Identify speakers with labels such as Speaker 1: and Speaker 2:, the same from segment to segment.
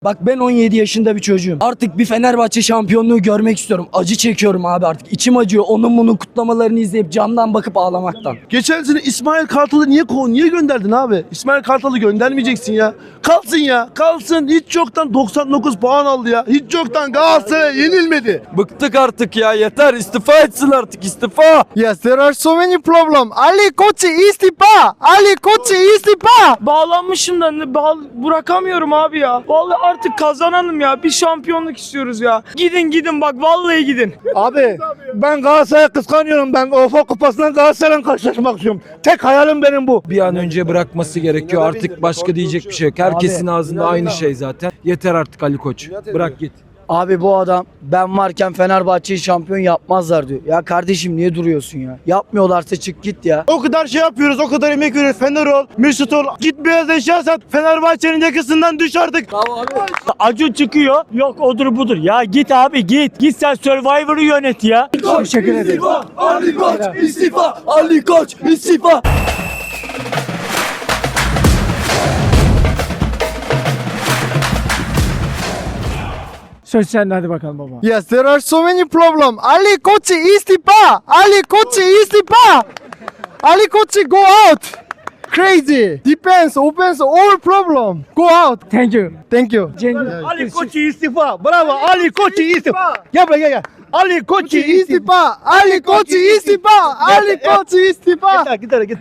Speaker 1: Bak ben 17 yaşında bir çocuğum. Artık bir Fenerbahçe şampiyonluğu görmek istiyorum. Acı çekiyorum abi artık. İçim acıyor. Onun bunun kutlamalarını izleyip camdan bakıp ağlamaktan.
Speaker 2: Geçen sene İsmail Kartal'ı niye gönderdin abi? İsmail Kartal'ı göndermeyeceksin ya. Kalsın ya. Kalsın. Hiç yoktan 99 puan aldı ya. Hiç yoktan Galatasaray yenilmedi.
Speaker 3: Bıktık artık ya, yeter, istifa etsin artık, istifa.
Speaker 4: Yes, there are so many problems. Ali Koç istifa. Ali Koç istifa.
Speaker 5: Bağlanmışım da bırakamıyorum abi ya. Vallahi artık kazanalım ya. Bir şampiyonluk istiyoruz ya. Gidin bak, vallahi gidin.
Speaker 2: Abi ben Galatasaray'ı kıskanıyorum. Ben UEFA Kupası'ndan Galatasaray'la karşılaşmak istiyorum. Tek hayalim benim bu.
Speaker 3: Bir an önce bırakması gerekiyor. Artık başka diyecek bir şey yok. Herkesin ağzında aynı şey zaten. Yeter artık Ali Koç. Bırak git.
Speaker 1: Abi bu adam ben varken Fenerbahçe'yi şampiyon yapmazlar diyor. Ya kardeşim niye duruyorsun ya? Yapmıyorlarsa çık git ya.
Speaker 2: O kadar şey yapıyoruz, o kadar emek veriyoruz. Fener ol, Mesut ol. Git beyaz eşya sat. Fenerbahçe'nin yakasından düş artık.
Speaker 5: Acun çıkıyor. Yok odur budur. Ya git abi git. Git sen Survivor'ı yönet ya.
Speaker 1: Teşekkür ederim.
Speaker 3: İstifa! Ali Koç! İstifa! Ali Koç! İstifa!
Speaker 5: Söz sende, hadi bakalım baba.
Speaker 4: Yes, there are so many problems. Ali Koç istifa. Ali Koç istifa. Ali Koç go out. Crazy. Depends, opens all problem. Go out.
Speaker 5: Thank you.
Speaker 4: Thank you.
Speaker 2: Ali Koç istifa. Bravo. Ali Koç istifa. Gel buraya gel. Ali Koç
Speaker 4: İstifa. Ali Koç istifa. Ali Koç istifa.
Speaker 2: Git.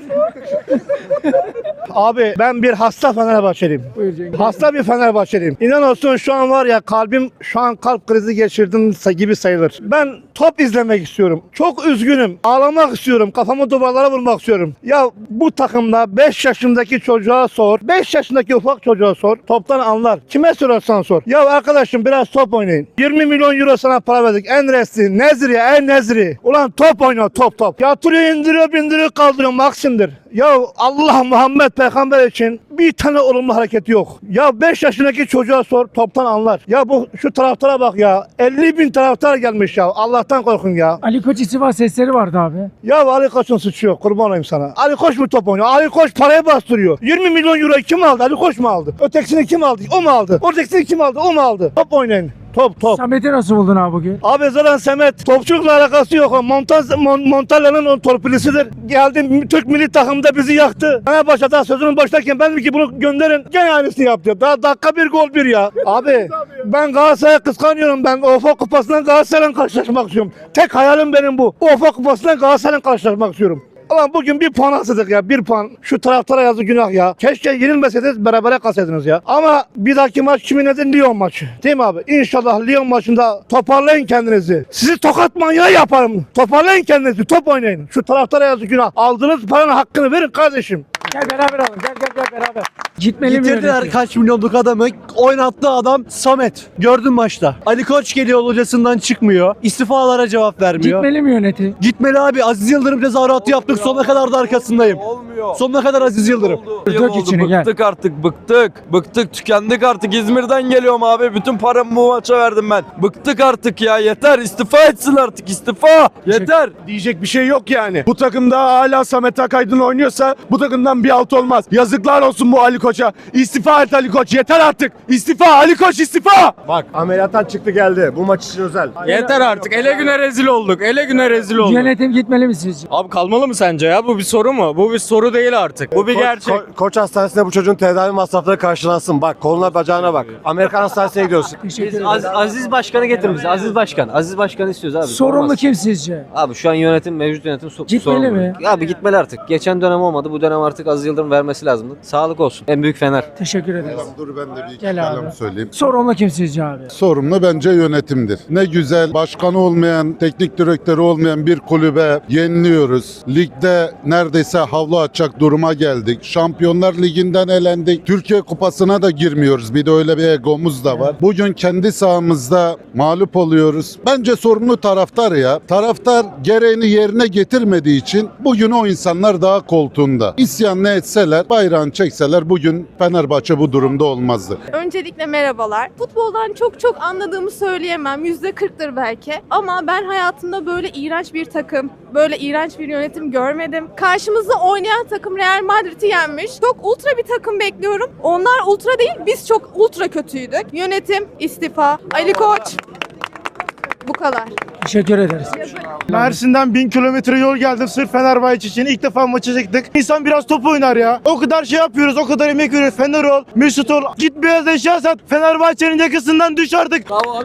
Speaker 2: Abi ben bir hasta Fenerbahçeliyim. Hasta bir Fenerbahçeliyim. İnan olsun şu an var ya şu an kalp krizi geçirdim gibi sayılır. Ben top izlemek istiyorum. Çok üzgünüm. Ağlamak istiyorum. Kafamı duvarlara vurmak istiyorum. Ya bu takımda 5 yaşındaki çocuğa sor. 5 yaşındaki ufak çocuğa sor. Toptan anlar. Kime sorarsan sor. Ya arkadaşım biraz top oynayın. 20 milyon euro sana para verdik. Enresli, Nezri, Nezri. Ulan top oyna top. Yatırıyor, indiriyor, bindiriyor, kaldırıyor. Maksimdir. Ya Allah Muhammed Peygamber için bir tane olumlu hareket yok. Ya 5 yaşındaki çocuğa sor, toptan anlar. Ya şu taraftara bak ya. 50 bin taraftar gelmiş ya. Allah'tan korkun ya.
Speaker 5: Ali Koç istifa sesleri vardı abi.
Speaker 2: Ya Ali Koç'un suçu yok. Kurban olayım sana. Ali Koç mu top oynuyor? Ali Koç parayı bastırıyor. 20 milyon euro kim aldı? Ali Koç mu aldı? Ötekisini kim aldı? O mu aldı? Ötekisini kim aldı? O mu aldı? Top oynayın. Top.
Speaker 5: Samet'i nasıl buldun abi bugün?
Speaker 2: Abi zaten Samet topçulukla alakası yok. Montella'nın o torpilisidir. Geldi Türk milli takımda bizi yaktı. Fenerbahçe'de sözünün başlarken ben dedim ki bunu gönderin. Gene aynısını yaptı. Daha dakika bir gol bir ya. Abi ben Galatasaray'ı kıskanıyorum. Ben UEFA Kupası'ndan Galatasaray'la karşılaşmak istiyorum. Tek hayalim benim bu. UEFA Kupası'ndan Galatasaray'la karşılaşmak istiyorum. Ulan bugün bir puan asıldık ya, bir puan. Şu taraftara yazı günah ya. Keşke yenilmeseydiniz, berabere kalsaydınız ya. Ama bir dahaki maç kimin nedir? Lyon maçı. Değil mi abi? İnşallah Lyon maçında toparlayın kendinizi. Sizi tokat manyağı yaparım. Toparlayın kendinizi, top oynayın. Şu taraftara yazı günah. Aldığınız paranın hakkını verin kardeşim.
Speaker 5: Gel beraber alalım. Gel beraber. Gitmeli mi?
Speaker 6: Getirdiler kaç milyonluk adamı. Oynattığı adam Samet. Gördün maçta. Ali Koç geliyor, hocasından çıkmıyor. İstifalara cevap vermiyor.
Speaker 5: Gitmeli mi yöneti?
Speaker 6: Gitmeli abi. Aziz Yıldırım tezahüratı yaptık. Sonuna kadar da arkasındayım.
Speaker 3: Olmuyor.
Speaker 6: Sonuna kadar Aziz Yıldırım.
Speaker 5: Dök içini, gel.
Speaker 3: Bıktık artık, bıktık, tükendik artık. İzmir'den geliyorum abi. Bütün paramı bu maça verdim ben. Bıktık artık ya, yeter, istifa etsin artık, istifa. Yeter.
Speaker 2: Diyecek bir şey yok yani. Bu takımda hala Samet Akaydın oynuyorsa bu takımdan bir alt olmaz. Yazıklar olsun bu Ali Koç'a. İstifa et Ali Koç. Yeter artık. İstifa Ali Koç, istifa.
Speaker 7: Bak ameliyattan çıktı geldi. Bu maç için özel.
Speaker 8: Yeter artık. Ele güne rezil olduk. Ele güne rezil olduk.
Speaker 5: Yönetim gitmeli mi sizce?
Speaker 8: Abi kalmalı mı sence ya? Bu bir soru mu? Bu bir soru değil artık. Bu bir gerçek.
Speaker 7: Koç hastanesinde bu çocuğun tedavi masrafları karşılansın. Bak koluna bacağına bak. Amerikan hastanesine gidiyorsun.
Speaker 5: Teşekkür ederim.
Speaker 9: Aziz Başkan'ı getir bize. Aziz Başkan. Aziz Başkan'ı istiyoruz abi.
Speaker 5: Sorumlu
Speaker 9: Olmaz.
Speaker 5: kim sizce?
Speaker 9: Abi şu an mevcut yönetim
Speaker 5: Gitmeli
Speaker 9: sorumlu.
Speaker 5: mi?
Speaker 9: Abi gitmeli artık. Geçen dönem olmadı. Bu dönem artık Aziz Yıldırım vermesi lazımdı. Sağlık olsun. En büyük Fener.
Speaker 5: Teşekkür ederiz.
Speaker 10: Dur ben de bir iki
Speaker 5: Gel abi.
Speaker 10: kelam söyleyeyim.
Speaker 5: Sorumlu kim sizce abi?
Speaker 10: Sorumlu bence yönetimdir. Ne güzel başkanı olmayan, teknik direktörü olmayan bir kulübe yeniliyoruz. Ligde neredeyse havlu açacak duruma geldik. Şampiyonlar Ligi'nden elendik. Türkiye Kupası'na da girmiyoruz. Bir de öyle bir egomuz da var. Bugün kendi sahamızda mağlup oluyoruz. Bence sorumlu taraftar ya. Taraftar gereğini yerine getirmediği için bugün o insanlar daha koltuğunda. İsyan ne etseler, bayrağını çekseler bugün bugün Fenerbahçe bu durumda olmazdı.
Speaker 11: Öncelikle merhabalar. Futboldan çok anladığımı söyleyemem. %40'tır belki. Ama ben hayatımda böyle iğrenç bir takım, böyle iğrenç bir yönetim görmedim. Karşımızda oynayan takım Real Madrid'i yenmiş. Çok ultra bir takım bekliyorum. Onlar ultra değil, biz çok ultra kötüydük. Yönetim istifa. Ali Koç. Bu kadar.
Speaker 1: Teşekkür ederiz.
Speaker 4: Mersin'den 1000 kilometre yol geldim sırf Fenerbahçe için. İlk defa maça çıktık. İnsan biraz top oynar ya. O kadar şey yapıyoruz, o kadar emek veriyoruz. Fener ol, Mesut ol. Git beyaz eşya sat. Fenerbahçe'nin yakasından düş artık.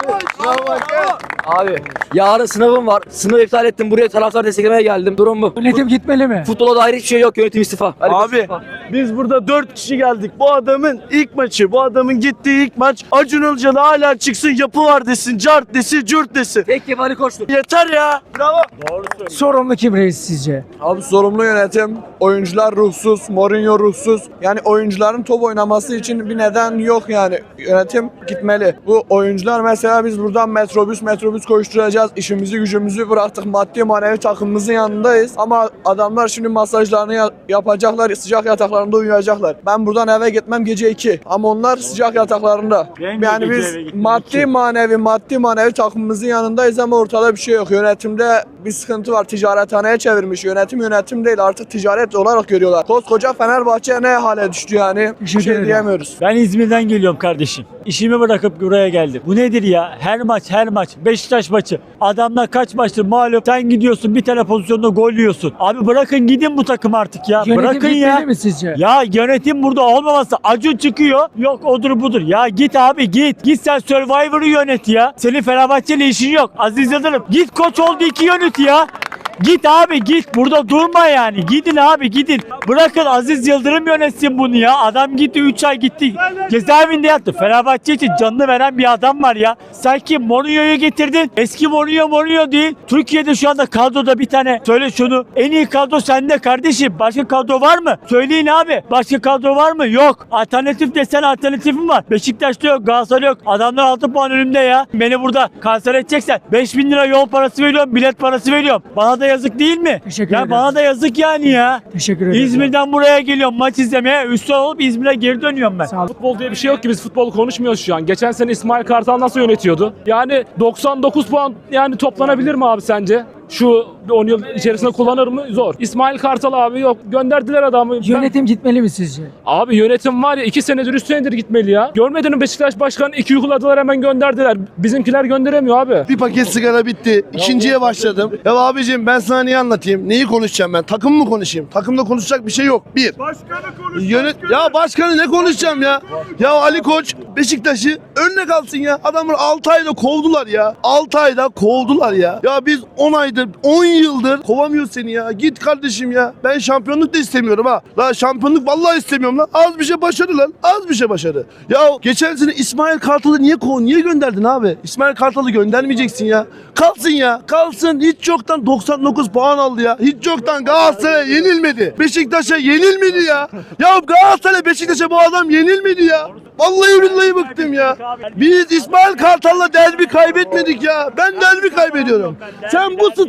Speaker 1: Abi yarın sınavım var. Sınavı iptal ettim. Buraya taraftar desteklemeye geldim. Durum bu. Yönetim gitmeli mi? Futbola dair hiçbir şey yok. Yönetim istifa.
Speaker 6: Abi biz burada 4 kişi geldik. Bu adamın ilk maçı, bu adamın gittiği ilk maç. Acun Ilıcalı hala çıksın, yapı var desin, cart desin, cürt desin.
Speaker 1: Tek Ali Koç'tur.
Speaker 6: Yeter ya. Bravo.
Speaker 1: Sorumlu kim reis sizce?
Speaker 3: Abi sorumlu yönetim, oyuncular ruhsuz, Mourinho ruhsuz. Yani oyuncuların top oynaması için bir neden yok yani. Yönetim gitmeli. Bu oyuncular mesela biz buradan metrobüs koşturacağız. İşimizi gücümüzü bıraktık. Maddi manevi takımımızın yanındayız. Ama adamlar şimdi masajlarını yapacaklar. Sıcak yataklarında uyuyacaklar. Ben buradan eve gitmem gece 2. Ama onlar sıcak yataklarında. Yani biz maddi manevi takımımızın yanındayız ama ortada bir şey yok. Yönetimde bir sıkıntı var. Ticarethaneye çevirmiş. Yönetim değil. Artık ticaret olarak görüyorlar. Koskoca Fenerbahçe ne hale düştü yani. Bir şey diyemiyoruz.
Speaker 6: Ben İzmir'den geliyorum kardeşim. İşimi bırakıp buraya geldim. Bu nedir ya? Her maç. Beşiktaş maçı. Adamlar kaç maçtır mağlup. Sen gidiyorsun bir tane pozisyonda gol yiyorsun. Abi bırakın gidin bu takım artık ya.
Speaker 1: Yönetim
Speaker 6: bırakın
Speaker 1: gitmeli
Speaker 6: ya.
Speaker 1: mi sizce?
Speaker 6: Ya yönetim burada olmaması. Acun çıkıyor. Yok odur budur. Ya git abi git. Git sen Survivor'ı yönet ya. Senin Fenerbahçe'yle işin yok. Aziz Yıldırım git koç oldu 2 yönet ya. Git abi git. Burada durma yani. Gidin abi gidin. Bırakın Aziz Yıldırım yönetsin bunu ya. Adam gitti 3 ay gitti. Cezaevinde yattı. Fenerbahçe için canını veren bir adam var ya. Sen kim? Mourinho'yu getirdin. Eski Mourinho değil. Türkiye'de şu anda kadroda bir tane. Söyle şunu. En iyi kadro sende kardeşim. Başka kadro var mı? Söyleyin abi. Başka kadro var mı? Yok. Alternatif desen alternatifim var. Beşiktaş'ta yok. Galatasaray'da yok. Adamlar 6 puan önümde ya. Beni burada kanser edeceksen 5000 lira yol parası veriyorum. Bilet parası veriyorum. Bana da yazık değil mi?
Speaker 1: Teşekkür
Speaker 6: Ya
Speaker 1: ederim.
Speaker 6: bana da yazık yani ya.
Speaker 1: Teşekkür ederim.
Speaker 6: İzmir'den buraya geliyorum maç izlemeye. Üstten olup İzmir'e geri dönüyorum ben.
Speaker 1: Sağ ol.
Speaker 8: Futbol diye bir şey yok ki, biz futbol konuşmuyoruz şu an. Geçen sene İsmail Kartal nasıl yönetiyordu? Yani 99 puan yani toplanabilir mi abi sence? Şu 10 yıl içerisinde kullanır mı? Zor. İsmail Kartal abi yok. Gönderdiler adamı.
Speaker 1: Yönetim gitmeli mi sizce?
Speaker 8: Abi yönetim var ya 2 senedir 3 senedir gitmeli ya. Görmedin mi Beşiktaş Başkanı 2 uyguladılar hemen gönderdiler. Bizimkiler gönderemiyor abi.
Speaker 4: Bir paket sigara bitti. İkinciye başladım. Ya abicim ben sana niye anlatayım? Neyi konuşacağım ben? Takım mı konuşayım? Takımda konuşacak bir şey yok. Bir. Başkanı konuşacak. Ya başkanı ne konuşacağım ya? Ya Ali Koç Beşiktaş'ı önüne kalsın ya. Adamlar 6 ayda kovdular ya. 6 ayda kovdular ya. Ya biz 10 aydır, 10 yıldır kovamıyor seni ya. Git kardeşim ya. Ben şampiyonluk da istemiyorum ha. La şampiyonluk vallahi istemiyorum lan. Az bir şey başarı lan. Az bir şey başarı. Ya geçen sene İsmail Kartal'ı niye gönderdin abi? İsmail Kartal'ı göndermeyeceksin ya. Kalsın ya. Kalsın. Hiç yoktan 99 puan aldı ya. Hiç yoktan Galatasaray'a yenilmedi. Beşiktaş'a yenilmedi ya. Ya Galatasaray Beşiktaş'a bu adam yenilmedi ya. Vallahi billahi bıktım ya. Biz İsmail Kartal'la derbi kaybetmedik ya. Ben derbi kaybediyorum. Sen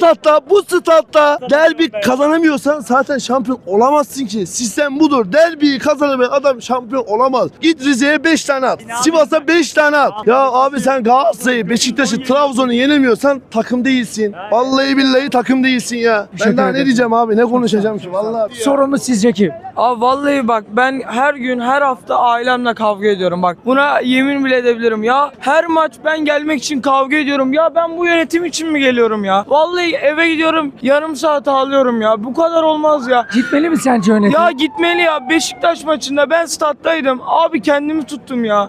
Speaker 4: bu statta derbi kazanamıyorsan zaten şampiyon olamazsın ki. Sistem budur. Derbiyi kazanamayan adam şampiyon olamaz. Git Rize'ye 5 tane at. Sivas'a 5 tane at. Ya abi sen Galatasaray'ı, Beşiktaş'ı, Trabzon'u yenemiyorsan takım değilsin. Vallahi billahi takım değilsin ya. Ben daha ne diyeceğim abi? Ne konuşacağım ki? Vallahi.
Speaker 1: Sorumlu sizce kim?
Speaker 5: Abi vallahi bak ben her gün her hafta ailemle kavga ediyorum bak. Buna yemin bile edebilirim ya. Her maç ben gelmek için kavga ediyorum. Ya ben bu yönetim için mi geliyorum ya? Vallahi eve gidiyorum yarım saat ağlıyorum ya. Bu kadar olmaz ya.
Speaker 1: Gitmeli mi sence yönetim?
Speaker 5: Ya gitmeli ya. Beşiktaş maçında ben stat'taydım. Abi kendimi tuttum ya.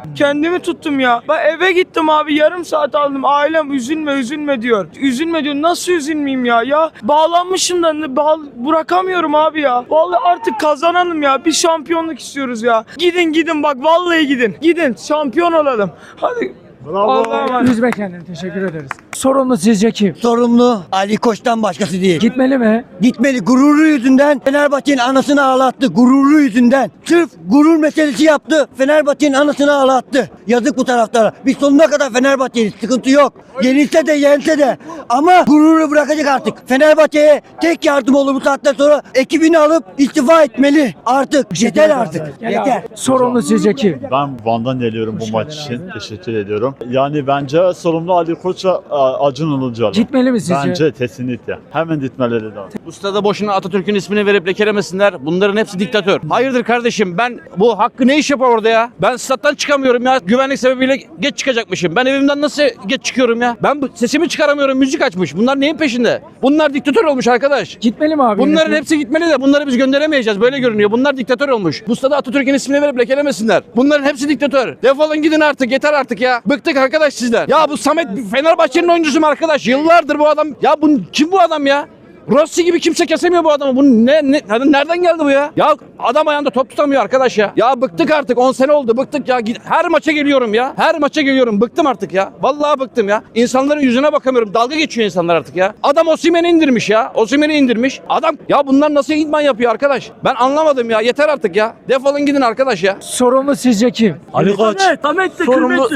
Speaker 5: Ben eve gittim abi yarım saat aldım. Ailem üzülme diyor. Üzülme diyor. Nasıl üzülmeyeyim ya? Ya bağlanmışım da bırakamıyorum abi ya. Vallahi artık kazanalım ya. Bir şampiyonluk istiyoruz ya. Gidin bak vallahi gidin. Gidin şampiyon olalım. Hadi. Allah'a emanet.
Speaker 1: Üzme kendini. Teşekkür ederiz. Sorumlu sizce kim?
Speaker 12: Sorumlu Ali Koç'tan başkası değil.
Speaker 1: Gitmeli mi?
Speaker 12: Gitmeli, gururu yüzünden Fenerbahçe'nin anasını ağlattı. Gururu yüzünden. Sırf gurur meselesi yaptı. Fenerbahçe'nin anasını ağlattı. Yazık bu taraftara. Biz sonuna kadar Fenerbahçe'yiz. Sıkıntı yok. Yenilse de yense de. Ama gururu bırakacak artık. Fenerbahçe'ye tek yardım olur bu saatten sonra. Ekibini alıp istifa etmeli. Artık. Yeter artık. Yeter.
Speaker 1: Sorumlu sizce kim?
Speaker 13: Ben Van'dan geliyorum bu maç için. Teşekkür ediyorum. Yani bence sorumlu Ali Koç'a Acun Ilıcalı.
Speaker 1: Gitmeli mi sizce?
Speaker 13: Bence kesinlikle. Hemen gitmeleri lazım.
Speaker 14: Bu stada boşuna Atatürk'ün ismini verip lekelemesinler. Bunların hepsi diktatör. Hayırdır kardeşim, ben bu Hakkı ne iş yapar orada ya? Ben stat'tan çıkamıyorum ya. Güvenlik sebebiyle geç çıkacakmışım. Ben evimden nasıl geç çıkıyorum ya? Ben sesimi çıkaramıyorum. Müzik açmış. Bunlar neyin peşinde? Bunlar diktatör olmuş arkadaş.
Speaker 1: Gitmeli mi abi?
Speaker 14: Bunların
Speaker 1: yönetim?
Speaker 14: hepsi gitmeli de bunları biz gönderemeyeceğiz. Böyle görünüyor. Bunlar diktatör olmuş. Bu stada Atatürk'ün ismini verip lekelemesinler. Bunların hepsi diktatör. Defolun gidin artık. Yeter artık ya. Bıktık arkadaş sizden. Ya bu Samet Fenerbahçe'nin oyuncusu mu arkadaş? Yıllardır bu adam. Ya bu kim bu adam ya? Rossi gibi kimse kesemiyor bu adamı. Bu nereden geldi bu ya? Ya adam ayağında top tutamıyor arkadaş ya. Ya bıktık artık. 10 sene oldu. Bıktık ya. Her maça geliyorum ya. Her maça geliyorum. Bıktım artık ya. Vallahi bıktım ya. İnsanların yüzüne bakamıyorum. Dalga geçiyor insanlar artık ya. Adam Osimhen'i indirmiş ya. Osimhen'i indirmiş. Adam ya bunlar nasıl idman yapıyor arkadaş? Ben anlamadım ya. Yeter artık ya. Defolun gidin arkadaş ya.
Speaker 1: Sorumlu sizce kim?
Speaker 6: Ali Koç.
Speaker 5: Samet de
Speaker 6: Sorumlu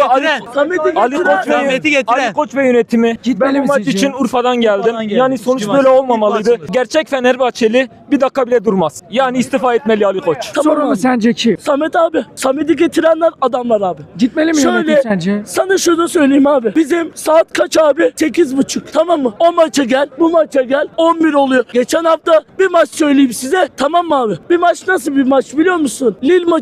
Speaker 5: Ali
Speaker 6: Koç ve yönetimi.
Speaker 1: Gitmeli
Speaker 6: Ben
Speaker 1: mi
Speaker 6: bu maç
Speaker 1: sizce?
Speaker 6: için Urfa'dan geldim. Yani sonuç böyle olmamalıydı. Gerçek Fenerbahçeli bir dakika bile durmaz. Yani istifa etmeli Ali Koç.
Speaker 1: Sorumlu sence kim?
Speaker 5: Samet abi. Samet'i getirenler adamlar abi.
Speaker 1: Gitmeli mi yönetim sence?
Speaker 5: Sana şunu söyleyeyim abi. Bizim saat kaç abi? 8.30. Tamam mı? O maça gel, bu maça gel. 11 oluyor. Geçen hafta bir maç söyleyeyim size. Tamam mı abi? Bir maç nasıl bir maç biliyor musun?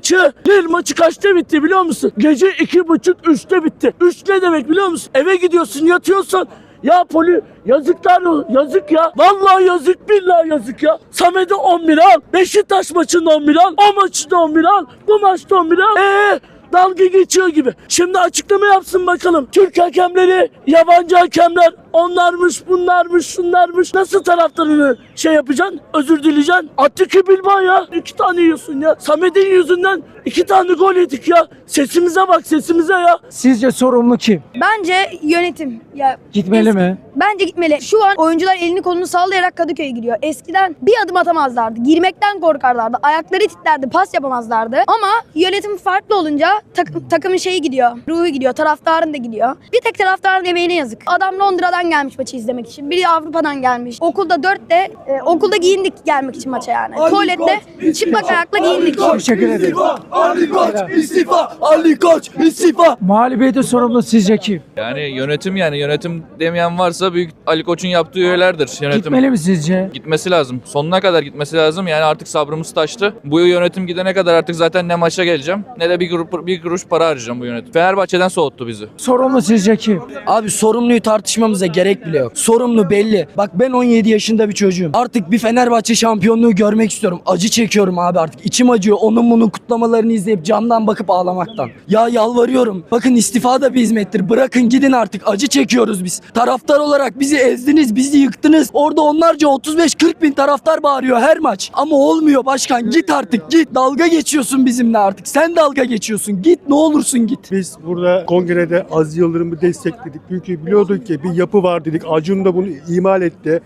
Speaker 5: Lille maçı kaçta bitti biliyor musun? Gece 2.30-3'te bitti. 3 ne demek biliyor musun? Eve gidiyorsun, yatıyorsun. Ya yazıklar yazık ya. Vallahi yazık, billahi yazık ya. Samet'i 11 al. Beşiktaş maçında 11 al. O maçta 11 al. Bu maçta 11 al. Dalga geçiyor gibi. Şimdi açıklama yapsın bakalım. Türk hakemleri, yabancı hakemler, onlarmış, bunlarmış, şunlarmış. Nasıl taraftarını yapacaksın? Özür dileyeceksin. Atletico Bilbao ya. 2 tane yiyorsun ya. Samet'in yüzünden 2 tane gol yedik ya. Sesimize bak, sesimize ya.
Speaker 1: Sizce sorumlu kim?
Speaker 15: Bence yönetim. Ya
Speaker 1: Gitmeli mi?
Speaker 15: Bence gitmeli. Şu an oyuncular elini kolunu sallayarak Kadıköy'e gidiyor. Eskiden bir adım atamazlardı. Girmekten korkarlardı. Ayakları titlerdi. Pas yapamazlardı. Ama yönetim farklı olunca takımın şeyi gidiyor. Ruhu gidiyor. Taraftarın da gidiyor. Bir tek taraftarın emeğine yazık. Adam Londra'dan gelmiş maçı izlemek için. Biri Avrupa'dan gelmiş. Okulda 4'te okulda giyindik gelmek için maça yani. Tuvalette çıplak ayakla giyindik.
Speaker 1: Teşekkür ederim.
Speaker 5: Ali Koç istifa! Ali Koç istifa!
Speaker 1: Mağlubiyete sorumlu sizce kim?
Speaker 16: Yani yönetim demeyen varsa büyük Ali Koç'un yaptığı üyelerdir. Yönetim
Speaker 1: Gitmeli mi sizce?
Speaker 16: gitmesi lazım. Sonuna kadar gitmesi lazım. Yani artık sabrımız taştı. Bu yönetim gidene kadar artık zaten ne maça geleceğim ne de bir kuruş para harcayacağım bu yönetim. Fenerbahçe'den soğuttu bizi.
Speaker 1: Sorumlu sizce kim? Abi sorumluyu tartışmamıza gerek bile yok. Sorumlu belli. Bak ben 17 yaşında bir çocuğum. Artık bir Fenerbahçe şampiyonluğu görmek istiyorum. Acı çekiyorum abi artık. İçim acıyor. Onun bunun kutlamalarını izleyip camdan bakıp ağlamaktan. Ya yalvarıyorum. Bakın istifa da bir hizmettir. Bırakın gidin artık. Acı çekiyoruz biz. Taraftar olarak bizi ezdiniz, bizi yıktınız. Orada onlarca 35-40 bin taraftar bağırıyor her maç. Ama olmuyor başkan. Git artık git. Dalga geçiyorsun bizimle artık. Sen dalga geçiyorsun. Git ne olursun git.
Speaker 17: Biz burada kongrede Aziz Yıldırım'ı destekledik. Çünkü biliyorduk ki bir yapı var dedik. Acun da bunu imal etti.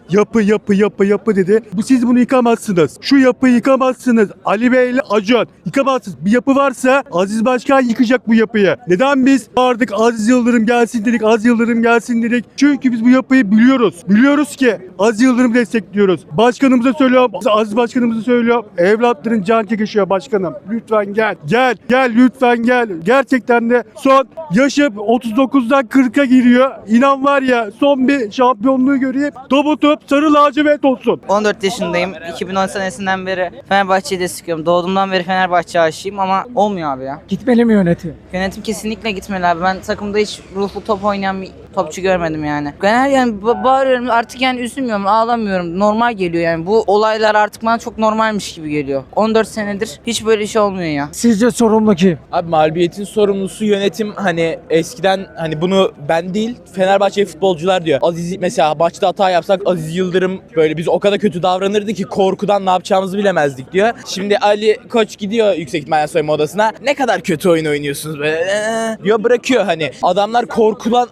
Speaker 17: Yapı dedi. Siz bunu yıkamazsınız. Şu yapıyı yıkamazsınız. Ali Bey ile Acun yıkamazsınız. Bir yapı varsa Aziz Başkan yıkacak bu yapıyı. Neden biz vardık Aziz Yıldırım gelsin dedik. Aziz Yıldırım gelsin dedik. Çünkü biz bu yapıyı biliyoruz. Biliyoruz ki Aziz Yıldırım'ı destekliyoruz. Başkanımıza söylüyorum. Aziz Başkanımıza söylüyorum. Evlatların can çekişiyor başkanım. Lütfen gel. Gel lütfen gel. Gerçekten de son yaşım 39'dan 40'a giriyor. İnan var ya son bir şampiyonluğu göreyim. Topu sarı lacivert olsun.
Speaker 18: 14 yaşındayım. 2010 senesinden beri Fenerbahçe'yi destekliyorum. Doğduğumdan beri Fenerbahçe aşığıyım ama olmuyor abi ya.
Speaker 1: Gitmeli mi yönetim?
Speaker 18: Yönetim kesinlikle gitmeli abi. Ben takımda hiç ruhlu top oynayan bir topçu görmedim yani. Genel yani bağırıyorum artık, yani üzülmüyorum, ağlamıyorum. Normal geliyor yani. Bu olaylar artık bana çok normalmiş gibi geliyor. 14 senedir hiç böyle şey olmuyor ya.
Speaker 1: Sizce sorumlu kim?
Speaker 19: Abi mağlubiyetin sorumlusu yönetim. Hani eskiden bunu ben değil Fenerbahçe futbolcular diyor. Aziz mesela maçta hata yapsak Aziz Yıldırım böyle biz o kadar kötü davranırdı ki korkudan ne yapacağımızı bilemezdik diyor. Şimdi Ali Koç gidiyor yüksek ihtimalle soyunma odasına. Ne kadar kötü oyun oynuyorsunuz böyle diyor, bırakıyor hani. Adamlar korkulan hani Aziz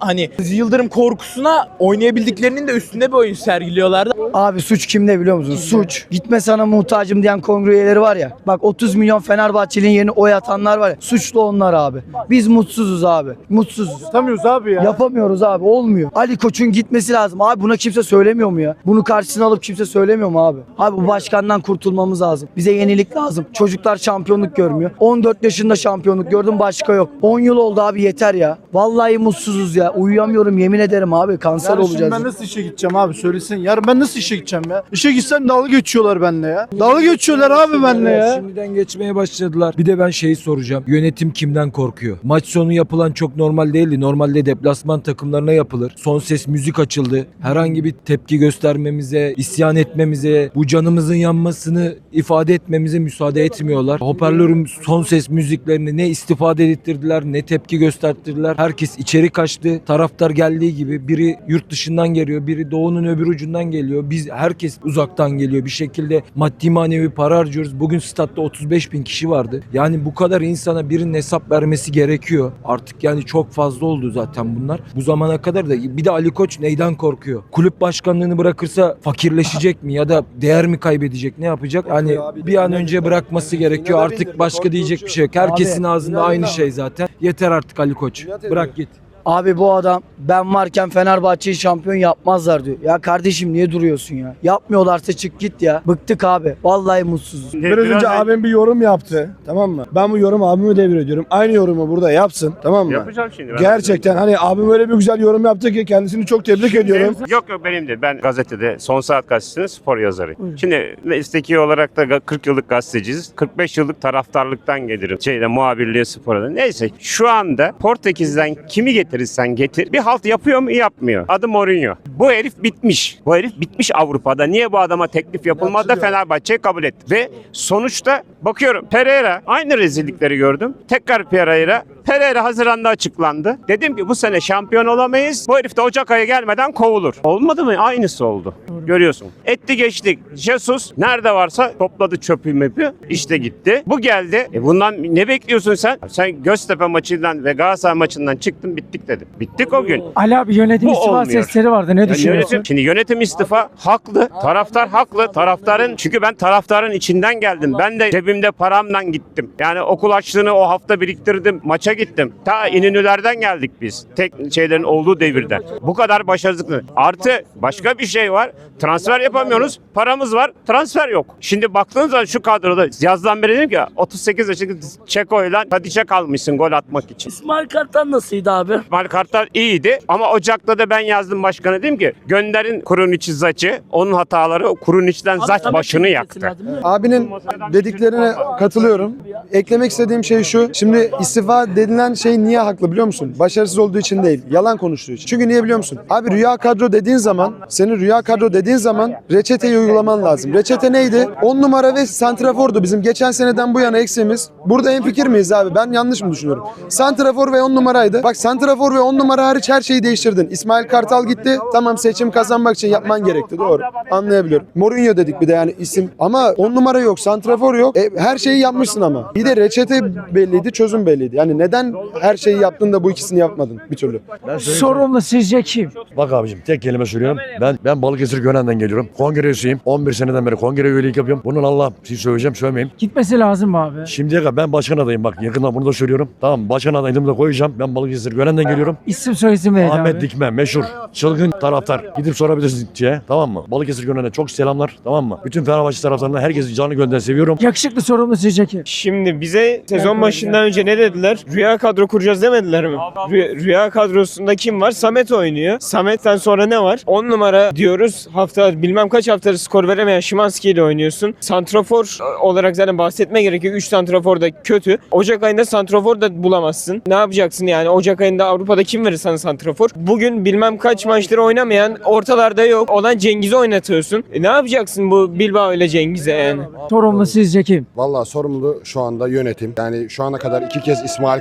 Speaker 19: Aziz Yıldırım korkusuna oynayabildiklerinin de üstünde bir oyun sergiliyorlardı.
Speaker 1: Abi suç kimde biliyor musun? Suç. Gitme sana muhtacım diyen kongre üyeleri var ya. Bak 30 milyon Fenerbahçeli'nin yerine oy atanlar var ya. Suçlu onlar abi. Biz mutsuzuz abi. Mutsuzuz.
Speaker 2: Tutamıyoruz abi ya.
Speaker 1: Yapamıyoruz abi. Olmuyor. Ali Koç'un gitmesi lazım. Abi buna kimse söylemiyor mu ya? Bunu karşısına alıp kimse söylemiyor mu abi? Abi bu başkandan kurtulmamız lazım. Bize yenilik lazım. Çocuklar şampiyonluk görmüyor. 14 yaşında şampiyonluk gördüm, başka yok. 10 yıl oldu abi, yeter ya. Vallahi mutsuzuz ya. Uyuyamıyorum yemin ederim abi. Kanser
Speaker 4: Yarın
Speaker 1: olacağız.
Speaker 4: ben nasıl işe gideceğim abi söylesin. Yarın ben nasıl işe gideceğim ya? İşe gitsem dalga geçiyorlar benimle ya. Dalga geçiyorlar abi benimle ya.
Speaker 20: Şimdiden geçmeye başladılar. Bir de ben şeyi soracağım. Yönetim kimden korkuyor? Maç sonu yapılan çok normal değildi. Normalde deplasman takımlarına yapılır. Son ses müzik açıldı. Herhangi bir tepki göstermemize, isyan etmemize, bu canımızın yanmasını ifade etmemize müsaade etmiyorlar. Hoparlörün son ses müziklerini ne istifade ettirdiler, ne tepki gösterdiler. Herkes içeri kaçtı. Taraftar geldiği gibi biri yurt dışından geliyor, biri doğunun öbür ucundan geliyor. Herkes uzaktan geliyor. Bir şekilde maddi manevi para harcıyoruz. Bugün statta 35 bin kişi vardı. Yani bu kadar insana birinin hesap vermesi gerekiyor. Artık yani çok fazla oldu zaten bunlar. Bu zamana kadar da bir de Ali Koç neyden korkuyor? Kulüp başkanlığını bırakırsa fakirleşecek mi ya da değer mi kaybedecek? Ne yapacak? Yani bir an önce bırakması gerekiyor. Artık başka diyecek bir şey yok. Herkesin ağzında aynı şey zaten. Yeter artık Ali Koç. Bırak git.
Speaker 1: Abi bu adam ben varken Fenerbahçe'yi şampiyon yapmazlar diyor. Ya kardeşim niye duruyorsun ya? Yapmıyorlarsa çık git ya. Bıktık abi. Vallahi mutsuzuz.
Speaker 4: Biraz önce abim bir yorum yaptı. Tamam mı? Ben bu yorumu abime devrediyorum. Aynı yorumu burada yapsın. Tamam mı?
Speaker 21: Yapacağım şimdi.
Speaker 4: Gerçekten hani abim öyle bir güzel yorum yaptı ki kendisini çok tebrik ediyorum.
Speaker 21: Yok benim de. Ben gazetede Son Saat Gazetesi'nin spor yazarıyım. Şimdi mesleki olarak da 40 yıllık gazeteciyiz. 45 yıllık taraftarlıktan gelirim. Muhabirliğe, spora da. Neyse şu anda Portekiz'den kimi getirirsen getir. Bir halt yapıyor mu? Yapmıyor. Adı Mourinho. Bu herif bitmiş. Bu herif bitmiş Avrupa'da. Niye bu adama teklif yapılmadı da Fenerbahçe'yi kabul etti. Ve sonuçta bakıyorum Pereira, aynı rezillikleri gördüm. Tekrar Pereira Haziran'da açıklandı. Dedim ki bu sene şampiyon olamayız. Bu herif de Ocak ayı gelmeden kovulur. Olmadı mı? Aynısı oldu. Görüyorsun. Etti geçtik. Jesus nerede varsa topladı çöpü mepi. İşte gitti. Bu geldi. Bundan ne bekliyorsun sen? Sen Göztepe maçından ve Galatasaray maçından çıktın, bittik dedim. Bittik o gün.
Speaker 5: Ali abi yönetim
Speaker 21: Bu
Speaker 5: istifa
Speaker 21: olmuyor.
Speaker 5: sesleri vardı. Ne düşünüyorsun?
Speaker 21: Şimdi yönetim istifa haklı. Taraftar haklı. Çünkü ben taraftarın içinden geldim. Ben de cebimde paramla gittim. Yani okul açlığını o hafta biriktirdim. Maça gittim. Ta İnönülerden geldik biz. Tek şeylerin olduğu devirden. Bu kadar başarısızlık. Artı başka bir şey var. Transfer yapamıyoruz. Paramız var. Transfer yok. Şimdi baktığınız zaman şu kadroda yazdan beri dedim ki 38 yaşındaki Çeko'yla Tadiç'e kalmışsın gol atmak için.
Speaker 22: İsmail Kartal nasılydı abi?
Speaker 21: İsmail Kartal iyiydi ama Ocak'ta da ben yazdım başkana, dedim ki gönderin Kuruniç'i, Zaç'ı. Onun hataları Kuruniç'ten Zaç başını yaktı.
Speaker 4: Abinin dediklerine katılıyorum. Eklemek istediğim şey şu. Şimdi istifa denilen şey niye haklı biliyor musun? Başarısız olduğu için değil. Yalan konuştuğu için. Çünkü niye biliyor musun? Abi rüya kadro dediğin zaman, senin rüya kadro dediğin zaman reçeteyi uygulaman lazım. Reçete neydi? 10 numara ve santrafordu bizim geçen seneden bu yana eksiğimiz. Burada hemfikir miyiz abi? Ben yanlış mı düşünüyorum? Santrafor ve 10 numaraydı. Bak santrafor ve 10 numara hariç her şeyi değiştirdin. İsmail Kartal gitti. Tamam, seçim kazanmak için yapman gerekti. Doğru. Anlayabiliyorum. Mourinho dedik bir de yani isim. Ama 10 numara yok, santrafor yok. Her şeyi yapmışsın ama. Bir de reçete belliydi, çözüm belliydi. Yani neden her şeyi yaptın da bu ikisini yapmadın bir türlü?
Speaker 5: Sorumlu sizce kim?
Speaker 23: Bak abicim tek kelime söylüyorum. Ben Balıkesir Gönen'den geliyorum. Kongre üyesiyim. 11 seneden beri kongre üyelik yapıyorum. Bunun Allah sizi söyleyeceğim, söylemeyeyim.
Speaker 5: Gitmesi lazım mı abi?
Speaker 23: Şimdiye kadar ben başkan adayım, bak yakında bunu da söylüyorum. Tamam, başkan adayımı da koyacağım. Ben Balıkesir Gönen'den geliyorum.
Speaker 5: İsim soyisim neydi
Speaker 23: Ahmet
Speaker 5: abi?
Speaker 23: Dikme, meşhur, çılgın taraftar. Gidip sorabilirsiniz diye, tamam mı? Balıkesir Gönen'e çok selamlar, tamam mı? Bütün Fenerbahçe taraftarlarına herkesi canı gönülden seviyorum.
Speaker 5: Yakışıklı sorumlu sizce kim?
Speaker 24: Şimdi bize sezon başından önce ne dediler? Rüya kadro kuracağız demediler mi? Rüya kadrosunda kim var? Samet oynuyor. Samet'ten sonra ne var? 10 numara diyoruz. Bilmem kaç haftadır skor veremeyen Szymanski ile oynuyorsun. Santrafor olarak zaten bahsetme gerekiyor. 3 santrafor da kötü. Ocak ayında santrafor da bulamazsın. Ne yapacaksın yani? Ocak ayında Avrupa'da kim verir sana santrafor? Bugün bilmem kaç maçları oynamayan, ortalarda yok olan Cengiz'i oynatıyorsun. Ne yapacaksın bu Bilbao ile Cengiz'e yani?
Speaker 5: Sorumlu sizce kim?
Speaker 25: Vallahi sorumlu şu anda yönetim. Yani şu ana kadar 2 kez İsmail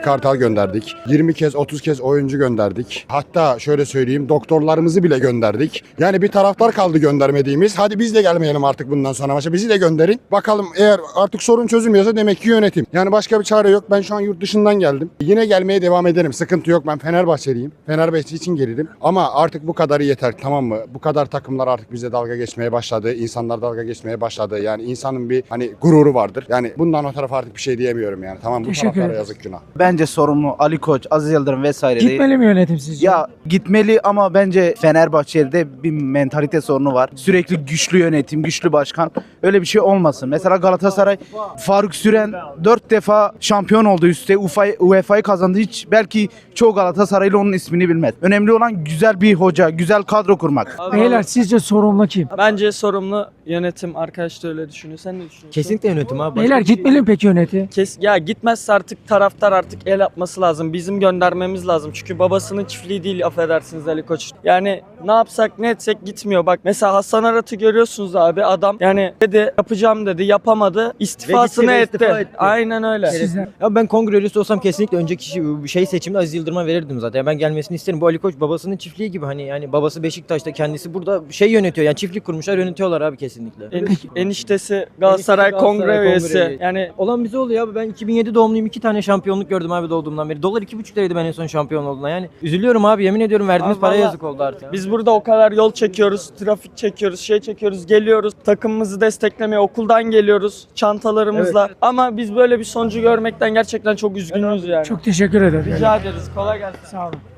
Speaker 7: Kartal gönderdik. 20 kez 30 kez oyuncu gönderdik. Hatta şöyle söyleyeyim, doktorlarımızı bile gönderdik. Yani bir taraftar kaldı göndermediğimiz. Hadi biz de gelmeyelim artık bundan sonra maça. Bizi de gönderin. Bakalım, eğer artık sorun çözülmüyorsa demek ki yönetim. Yani başka bir çare yok. Ben şu an yurt dışından geldim. Yine gelmeye devam ederim. Sıkıntı yok. Ben Fenerbahçeliyim. Fenerbahçe için gelirim. Ama artık bu kadarı yeter, tamam mı? Bu kadar takımlar artık bize dalga geçmeye başladı. İnsanlar dalga geçmeye başladı. Yani insanın bir hani gururu vardır. Yani bundan o tarafa artık bir şey diyemiyorum yani. Tamam, bu
Speaker 9: Teşekkür
Speaker 7: taraftara
Speaker 9: ederim.
Speaker 7: yazık, günah.
Speaker 10: Bence sorumlu Ali Koç, Aziz Yıldırım vesaire değil.
Speaker 9: Gitmeli mi yönetim sizce?
Speaker 10: Ya gitmeli ama bence Fenerbahçe'de bir mentalite sorunu var. Sürekli güçlü yönetim, güçlü başkan. Öyle bir şey olmasın. Mesela Galatasaray, Faruk Süren 4 defa şampiyon oldu üstte. UEFA'yı kazandı. Hiç belki çoğu Galatasaraylı onun ismini bilmez. Önemli olan güzel bir hoca, güzel kadro kurmak.
Speaker 9: Beyler sizce sorumlu kim?
Speaker 5: Bence sorumlu yönetim. Arkadaş da öyle düşünüyor. Sen ne düşünüyorsun?
Speaker 22: Kesinlikle yönetim abi.
Speaker 9: Beyler gitmeli mi peki yönetim?
Speaker 5: Ya gitmezse artık taraftar artık el atması lazım. Bizim göndermemiz lazım. Çünkü babasının çiftliği değil, affedersiniz Ali Koç. Yani ne yapsak ne etsek gitmiyor. Bak mesela Hasan Arat'ı görüyorsunuz abi. Adam yani dedi yapacağım dedi, yapamadı. İstifasını etti. Aynen öyle.
Speaker 22: Ya ben kongre üyesi olsam kesinlikle önceki seçimde Aziz Yıldırım'a verirdim zaten. Ben gelmesini isterim. Bu Ali Koç babasının çiftliği gibi, hani yani babası Beşiktaş'ta, kendisi burada yönetiyor. Yani çiftlik kurmuşlar, yönetiyorlar abi kesinlikle.
Speaker 5: Eniştesi Galatasaray kongre üyesi. Yani
Speaker 22: olan bize oluyor abi. Ben 2007 doğumluyum. 2 tane şampiyonluk gördüm abi doğduğumdan beri. Dolar 2,5 liraydı ben en son şampiyon olduğumda. Yani üzülüyorum abi, yemin ediyorum, verdiğimiz
Speaker 5: Abi
Speaker 22: paraya
Speaker 5: vallahi
Speaker 22: yazık oldu artık.
Speaker 5: Biz burada o kadar yol çekiyoruz, trafik çekiyoruz, çekiyoruz, geliyoruz. Takımımızı desteklemeye okuldan geliyoruz çantalarımızla. Ama biz böyle bir sonucu görmekten gerçekten çok üzgünüz yani.
Speaker 9: Çok teşekkür ederim.
Speaker 5: Rica ederiz. Kolay gelsin.
Speaker 9: Sağ olun.